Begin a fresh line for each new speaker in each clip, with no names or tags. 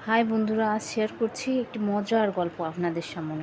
High বন্ধুরা, আজ share করছি একটি মজার গল্প আপনাদের সামনে।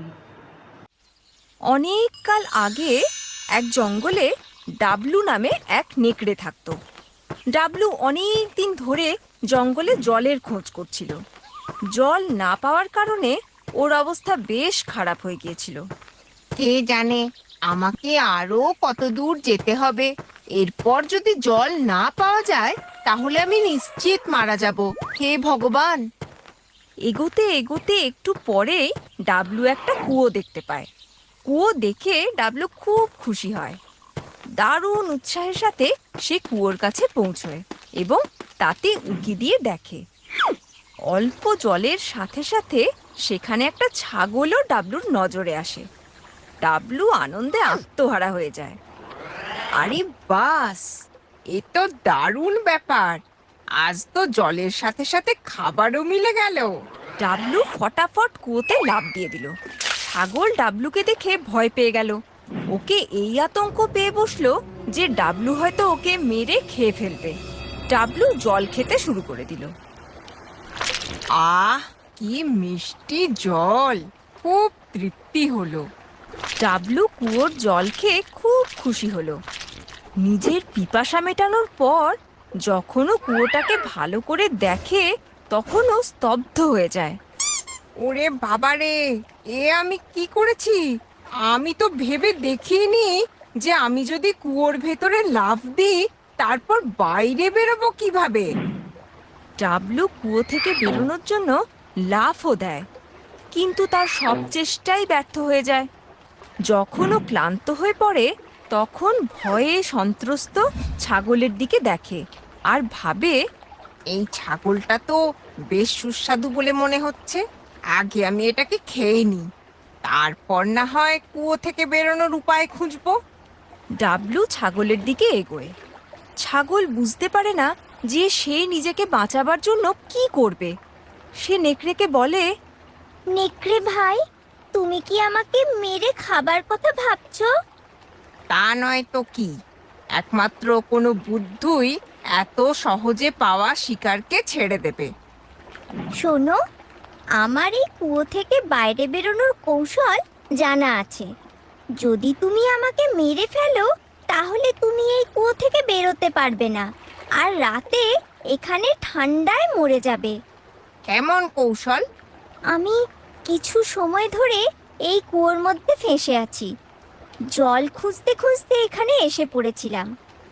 অনেক কাল আগে এক জঙ্গলে ডাবলু নামে এক নেকড়ে থাকতো। ডাবলু অনেক দিন ধরে জঙ্গলে জলের খোঁজ করছিল। জল না পাওয়ার কারণে ওর অবস্থা বেশ খারাপ হয়ে গিয়েছিল।
কে জানে আমাকে আরো কত দূর যেতে হবে। এরপর যদি জল না পাওয়া যায় তাহলে আমি নিশ্চিত মারা যাব। হে ভগবান!
এগোতে এগোতে একটু পরেই ডাবলু একটা কুয়ো দেখতে পায়। কুয়ো দেখে ডাবলু খুব খুশি হয়। দারুণ উৎসাহের সাথে সে কুয়োর কাছে পৌঁছয় এবং তাতে উঁকি দিয়ে দেখে অল্প জলের সাথে সাথে সেখানে একটা ছাগলও ডাবলুর নজরে আসে। ডাবলু আনন্দে আত্মহারা হয়ে যায়।
আরে বাস, এ তো দারুণ ব্যাপার। আজ তো জলের সাথে সাথে খাবারও মিলে গেল।
ডাবলু ফটাফট কুয়োতে লাফ দিয়ে দিল। ছাগল ডাবলুকে দেখে ভয় পেয়ে গেল। ওকে এই আতঙ্ক পেয়ে বসলো যে ডাবলু হয়তো ওকে মেরে খেয়ে ফেলবে। ডাবলু জল খেতে শুরু করে দিল।
আহ, কি মিষ্টি জল! খুব তৃপ্তি হলো।
ডাবলু কুয়োর জল খেয়ে খুব খুশি হলো। নিজের পিপাসা মেটানোর পর যখনও কুয়োটাকে ভালো করে দেখে তখনও স্তব্ধ হয়ে যায়।
ওরে বাবারে, এ আমি কি করেছি! আমি তো ভেবে দেখিনি যে আমি যদি কুয়োর ভেতরে লাফ দিই তারপর বাইরে বেরোবো কিভাবে।
ডাবলু কুয়ো থেকে বেরোনোর জন্য লাফও দেয়, কিন্তু তার সব চেষ্টাই ব্যর্থ হয়ে যায়। যখন ও ক্লান্ত হয়ে পড়ে তখন ভয়ে সন্ত্রস্ত ছাগলের দিকে দেখে আর ভাবে,
এই ছাগলটা তো বেশ সুস্বাদু বলে মনে হচ্ছে। আগে আমি এটাকে খেয়ে নিই, তারপর না হয় কুয়ো থেকে বেরোনোর উপায় খুঁজবো।
ডাবলু ছাগলের দিকে এগোয়। ছাগল বুঝতে পারে না যে সে নিজেকে বাঁচাবার জন্য কি করবে। সে নেকড়েকে বলে,
নেকড়ে ভাই, তুমি কি আমাকে মেরে খাবার কথা ভাবছো?
তা নয় তো কি! একমাত্র কোনো বুদ্ধই এত সহজে পাওয়া শিকারকে ছেড়ে দেবে।
শোনো, আমার এই কুয়ো থেকে বাইরে বেরোনোর কৌশল জানা আছে। যদি তুমি আমাকে মেরে ফেলো তাহলে তুমি এই কুয়ো থেকে বেরোতে পারবে না, আর রাতে এখানে ঠান্ডায় মরে যাবে।
কেমন কৌশল?
আমি কিছু সময় ধরে এই কুয়োর মধ্যে ফেঁসে আছি। জল খুঁজতে খুঁজতে এখানে এসে পড়েছিলাম।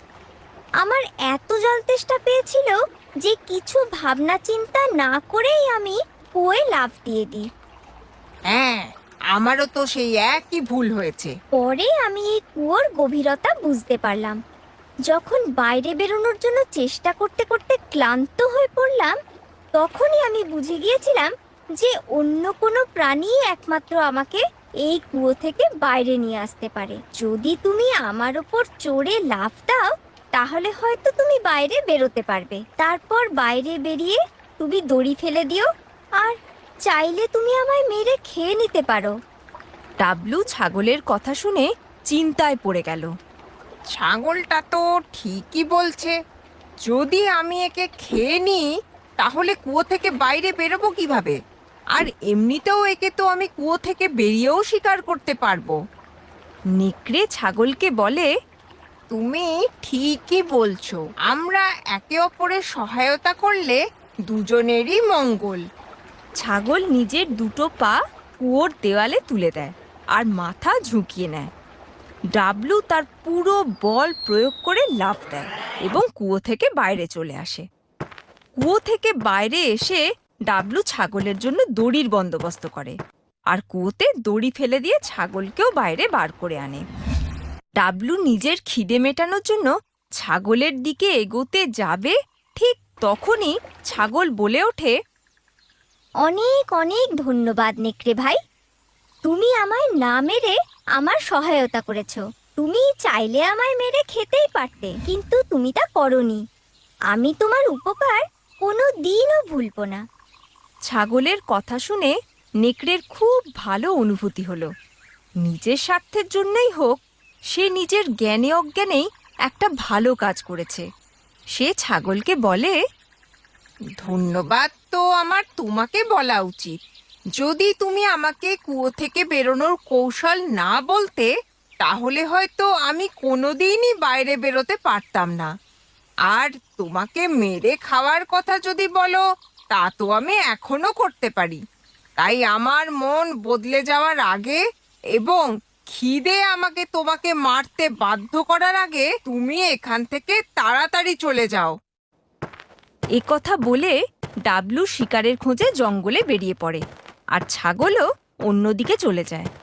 আমার এত জল তেষ্টা পেয়েছিল যে কিছু ভাবনা চিন্তা না করেই আমি কুয়োয় লাফ দিয়ে দিই।
হ্যাঁ, আমারও তো সেই একই ভুল হয়েছে।
পরে আমি এই কুয়োর গভীরতা বুঝতে পারলাম। যখন বাইরে বেরোনোর জন্য চেষ্টা করতে করতে ক্লান্ত হয়ে পড়লাম, তখনই আমি বুঝে গিয়েছিলাম যে অন্য কোনো প্রাণী একমাত্র আমাকে এই কুয়ো থেকে বাইরে নিয়ে আসতে পারে। যদি তুমি আমার ওপর চড়ে লাফ দাও তাহলে হয়তো তুমি বাইরে বেরোতে পারবে। তারপর বাইরে বেরিয়ে তুমি দড়ি ফেলে দিও, আর চাইলে তুমি আমায় মেরে খেয়ে নিতে পারো।
ডাবলু ছাগলের কথা শুনে চিন্তায় পড়ে গেল।
ছাগলটা তো ঠিকই বলছে। যদি আমি একে খেয়ে নিই তাহলে কুয়ো থেকে বাইরে বেরোবো কিভাবে? আর এমনিতেও একে তো আমি কুয়ো থেকে বেরিয়েও শিকার করতে পারবো।
নেকড়ে ছাগলকে বলে,
তুমি ঠিকই বলছো। আমরা একে অপরের সহায়তা করলে দুজনেরই মঙ্গল।
ছাগল নিজের দুটো পা কুয়োর দেওয়ালে তুলে দেয় আর মাথা ঝুঁকিয়ে নেয়। ডাবলু তার পুরো বল প্রয়োগ করে লাফ দেয় এবং কুয়ো থেকে বাইরে চলে আসে। কুয়ো থেকে বাইরে এসে ডাবলু ছাগলের জন্য দড়ির বন্দোবস্ত করে আর কুয়োতে দড়ি ফেলে দিয়ে ছাগলকেও বাইরে বার করে আনে। ডাবলু নিজের খিদে মেটানোর জন্য ছাগলের দিকে এগোতে যাবে, ঠিক তখনই ছাগল বলে ওঠে,
অনেক অনেক ধন্যবাদ নেকড়ে ভাই, তুমি আমায় না মেরে আমার সহায়তা করেছো। তুমি চাইলে আমায় মেরে খেতেই পারতে, কিন্তু তুমি তা করনি। আমি তোমার উপকার কোনো দিনও ভুলবো না।
ছাগলের কথা শুনে নেকড়ের খুব ভালো অনুভূতি হলো। নিজের স্বার্থের জন্যই হোক, সে নিজের জ্ঞানে অজ্ঞানেই একটা ভালো কাজ করেছে। সে ছাগলকে বলে,
ধন্যবাদ তো আমার তোমাকে বলা উচিত। যদি তুমি আমাকে কুয়ো থেকে বেরোনোর কৌশল না বলতে, তাহলে হয়তো আমি কোনোদিনই বাইরে বেরোতে পারতাম না। আর তোমাকে মেরে খাওয়ার কথা যদি বলো, তা তো আমি এখনো করতে পারি। তাই আমার মন বদলে যাওয়ার আগে এবং খিদে আমাকে তোমাকে মারতে বাধ্য করার আগে তুমি এখান থেকে তাড়াতাড়ি চলে যাও।
এ কথা বলে ডাবলু শিকারের খোঁজে জঙ্গলে বেরিয়ে পড়ে আর ছাগলও অন্যদিকে চলে যায়।